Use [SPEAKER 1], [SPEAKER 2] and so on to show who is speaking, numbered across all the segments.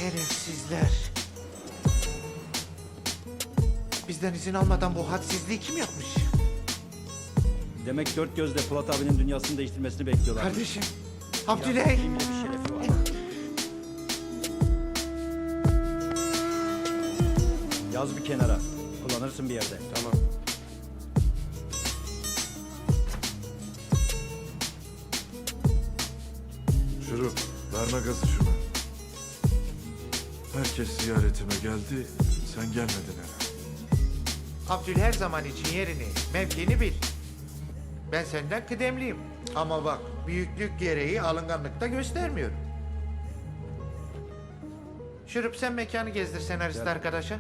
[SPEAKER 1] Şerefsizler. Bizden izin almadan bu hadsizliği kim yapmış?
[SPEAKER 2] Demek dört gözle Polat abinin dünyasını değiştirmesini bekliyorlar.
[SPEAKER 1] Kardeşim, Abdüley.
[SPEAKER 2] Kimin bir şerefi var. Yaz bir kenara. Kullanırsın bir yerde.
[SPEAKER 3] Tamam.
[SPEAKER 4] Şurup, verme gazı şuna. Herkes ziyaretime geldi, sen gelmedin herhalde.
[SPEAKER 1] Abdül her zaman için yerini, mevkini bil. Ben senden kıdemliyim. Ama bak, büyüklük gereği alınganlıkta göstermiyorum. Şurup sen mekanı gezdir senarist arkadaşa.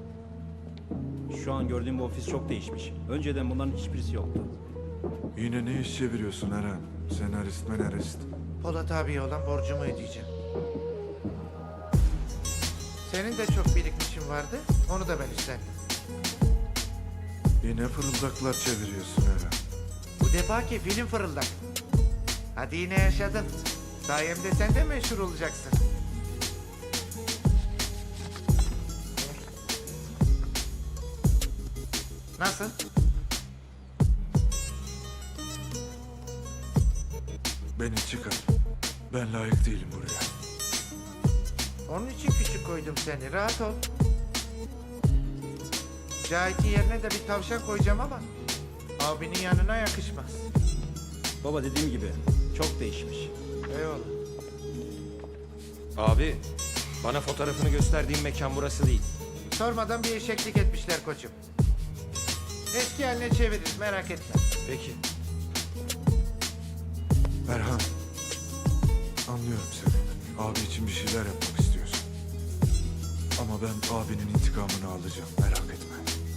[SPEAKER 2] Şu an gördüğüm bu ofis çok değişmiş. Önceden bunların hiçbirisi yoktu.
[SPEAKER 4] Yine ne iş çeviriyorsun Eren? Senarist menarist.
[SPEAKER 1] Polat abiye olan borcumu ödeyeceğim. Senin de çok birikmişin vardı, onu da ben üstlendim.
[SPEAKER 4] Yine fırıldaklar çeviriyorsun Eren.
[SPEAKER 1] Bu defaki film fırıldak. Hadi yine yaşadın. Sayemde sen de meşhur olacaksın. Nasıl?
[SPEAKER 4] Beni çıkar. Ben layık değilim buraya.
[SPEAKER 1] Onun için küçük koydum seni. Rahat ol. Cahit'in yerine de bir tavşan koyacağım ama abinin yanına yakışmaz.
[SPEAKER 2] Baba dediğim gibi çok değişmiş.
[SPEAKER 1] Eyvallah.
[SPEAKER 3] Abi, bana fotoğrafını gösterdiğim mekan burası değil.
[SPEAKER 1] Sormadan bir eşeklik etmişler koçum. Eski haline çeviririz merak etme.
[SPEAKER 3] Peki.
[SPEAKER 4] Erhan, anlıyorum seni. Abi için bir şeyler yapmak istiyorsun. Ama ben abinin intikamını alacağım, merak etme.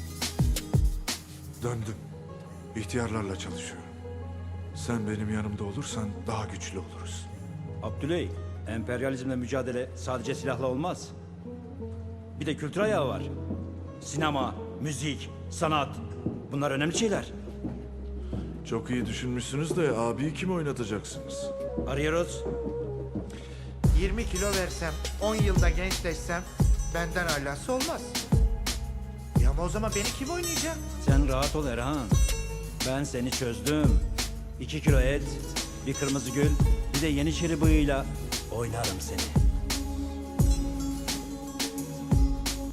[SPEAKER 4] Döndüm. İhtiyarlarla çalışıyorum. Sen benim yanımda olursan daha güçlü oluruz.
[SPEAKER 2] Abdüley, emperyalizmle mücadele sadece silahla olmaz. Bir de kültür ayağı var. Sinema, müzik, sanat. Bunlar önemli şeyler.
[SPEAKER 4] Çok iyi düşünmüşsünüz de abiyi kim oynatacaksınız?
[SPEAKER 2] Arıyoruz.
[SPEAKER 1] 20 kilo versem, 10 yılda gençleşsem benden alası olmaz. Ya ama o zaman beni kim oynayacak?
[SPEAKER 2] Sen rahat ol Erhan. Ben seni çözdüm. 2 kilo et, bir kırmızı gül, bir de Yeniçeri bıyığıyla oynarım seni.